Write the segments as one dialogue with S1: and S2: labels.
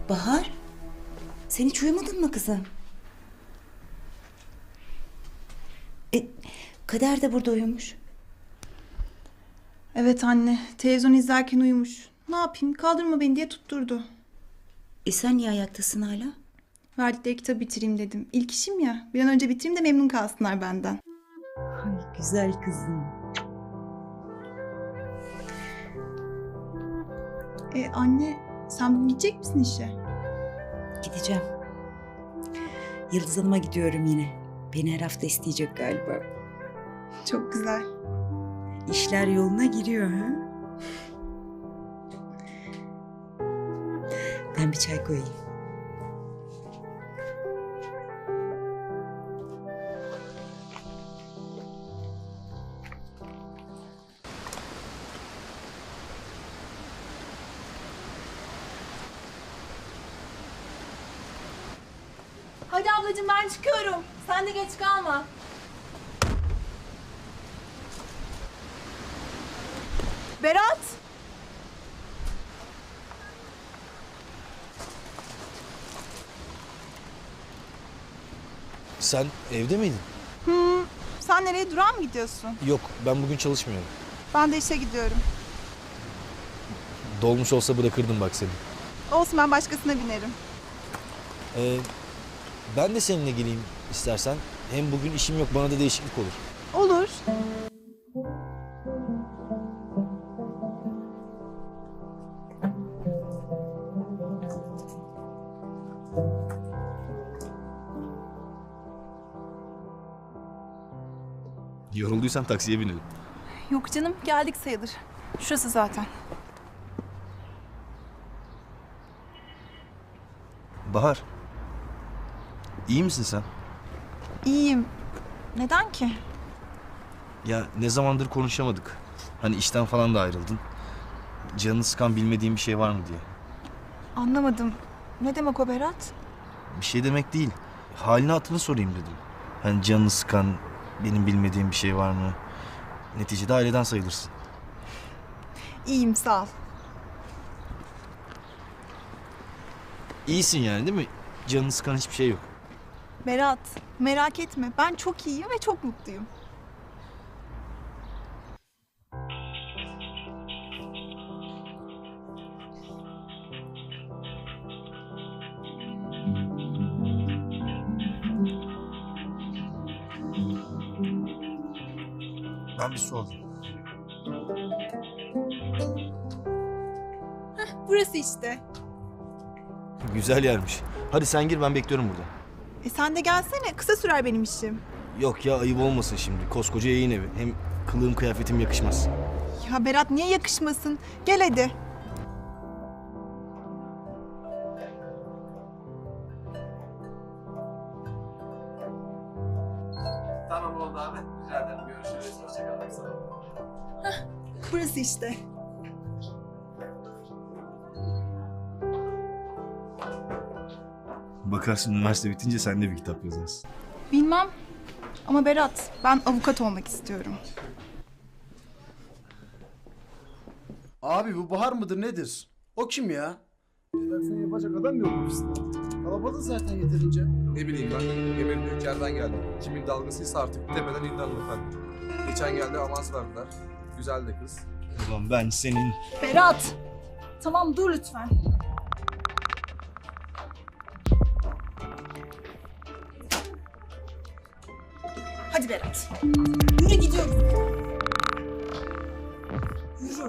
S1: Bahar, sen hiç uyumadın mı kızım? Kader de burada uyumuş.
S2: Evet anne, televizyon izlerken uyumuş. Ne yapayım, kaldırma beni diye tutturdu.
S1: Sen niye ayaktasın hala?
S2: Verdikleri kitabı bitireyim dedim. İlk işim ya, bir an önce bitireyim de memnun kalsınlar benden.
S1: Ay güzel kızım.
S2: Anne, sen bugün gidecek misin işe?
S1: Gideceğim. Yıldız Hanım'a gidiyorum yine. Beni her hafta isteyecek galiba.
S2: Çok güzel.
S1: İşler yoluna giriyor ha? Ben bir çay koyayım.
S3: Hadi ablacığım ben çıkıyorum. Sen de geç kalma. Berat.
S4: Sen evde miydin?
S2: Sen nereye, durağa mı gidiyorsun?
S4: Yok, ben bugün çalışmıyorum.
S2: Ben de işe gidiyorum.
S4: Dolmuş olsa bırakırdım bak seni.
S2: Olsun, ben başkasına binerim.
S4: Ben de seninle geleyim istersen. Hem bugün işim yok, bana da değişiklik olur.
S2: Olur.
S4: Yorulduysan taksiye binelim.
S2: Yok canım, geldik sayılır. Şurası zaten.
S5: Bahar. İyi misin sen?
S2: İyiyim. Neden ki?
S5: Ya ne zamandır konuşamadık. Hani işten falan da ayrıldın. Canını sıkan bilmediğin bir şey var mı diye.
S2: Anlamadım. Ne demek o Berat?
S5: Bir şey demek değil. Halini hatırını sorayım dedim. Hani canını sıkan benim bilmediğim bir şey var mı? Neticede aileden sayılırsın.
S2: İyiyim, sağ ol.
S5: İyisin yani değil mi? Canını sıkan hiçbir şey yok.
S2: Berat, merak etme. Ben çok iyiyim ve çok mutluyum.
S5: Ben bir su alayım.
S2: Burası işte.
S4: Güzel yermiş. Hadi sen gir, ben bekliyorum burada.
S2: Sen de gelsene. Kısa sürer benim işim.
S4: Yok ya, ayıp olmasın şimdi. Koskoca yayın evi. Hem kılığım kıyafetim yakışmaz.
S2: Ya Berat, niye yakışmasın? Gel hadi.
S6: Tamam oldu abi. Rica ederim. Görüşürüz. Hoşçakalın. Sağ olun.
S2: Burası işte.
S5: Bakarsın üniversite bitince sen de bir kitap yazarsın.
S2: Bilmem. Ama Berat, ben avukat olmak istiyorum.
S7: Abi bu Bahar mıdır nedir? O kim ya? Seni yapacak adam yok ofiste. Kalabalık zaten yeterince.
S6: Ne bileyim ben. Emel'in ülkerden geldi. Kimin dalgasıysa artık demeden indi hanımefendi. Geçen geldi avans verdiler. Güzel de kız.
S4: Ulan ben senin...
S3: Berat. Tamam dur lütfen. Hadi Berat. Yürü gidiyoruz. Yürü.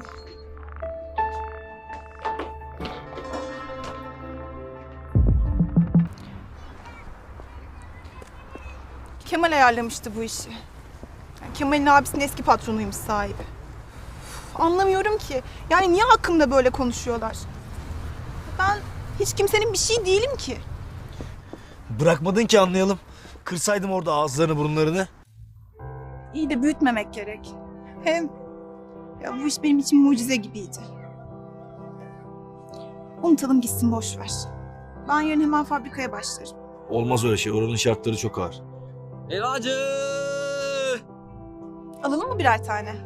S2: Kemal ayarlamıştı bu işi. Yani Kemal'in abisinin eski patronuymuş sahibi. Anlamıyorum ki. Yani niye hakkımda böyle konuşuyorlar? Ben hiç kimsenin bir şey değilim ki.
S4: Bırakmadın ki anlayalım. Kırsaydım orada ağızlarını burunlarını.
S2: İyi de büyütmemek gerek. Hem ya bu iş benim için mucize gibiydi. Unutalım gitsin, boş ver. Ben yarın hemen fabrikaya başlarım.
S4: Olmaz öyle şey. Oranın şartları çok ağır.
S8: Helvacı!
S2: Alalım mı birer tane?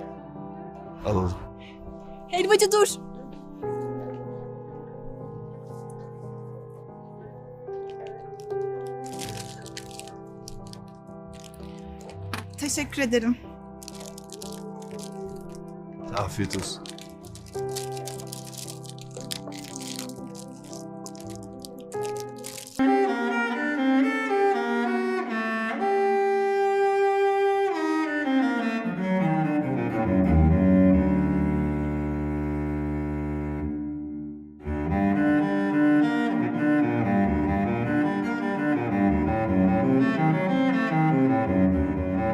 S4: Alalım.
S2: Helvacı dur. Teşekkür ederim.
S5: Afiyet olsun.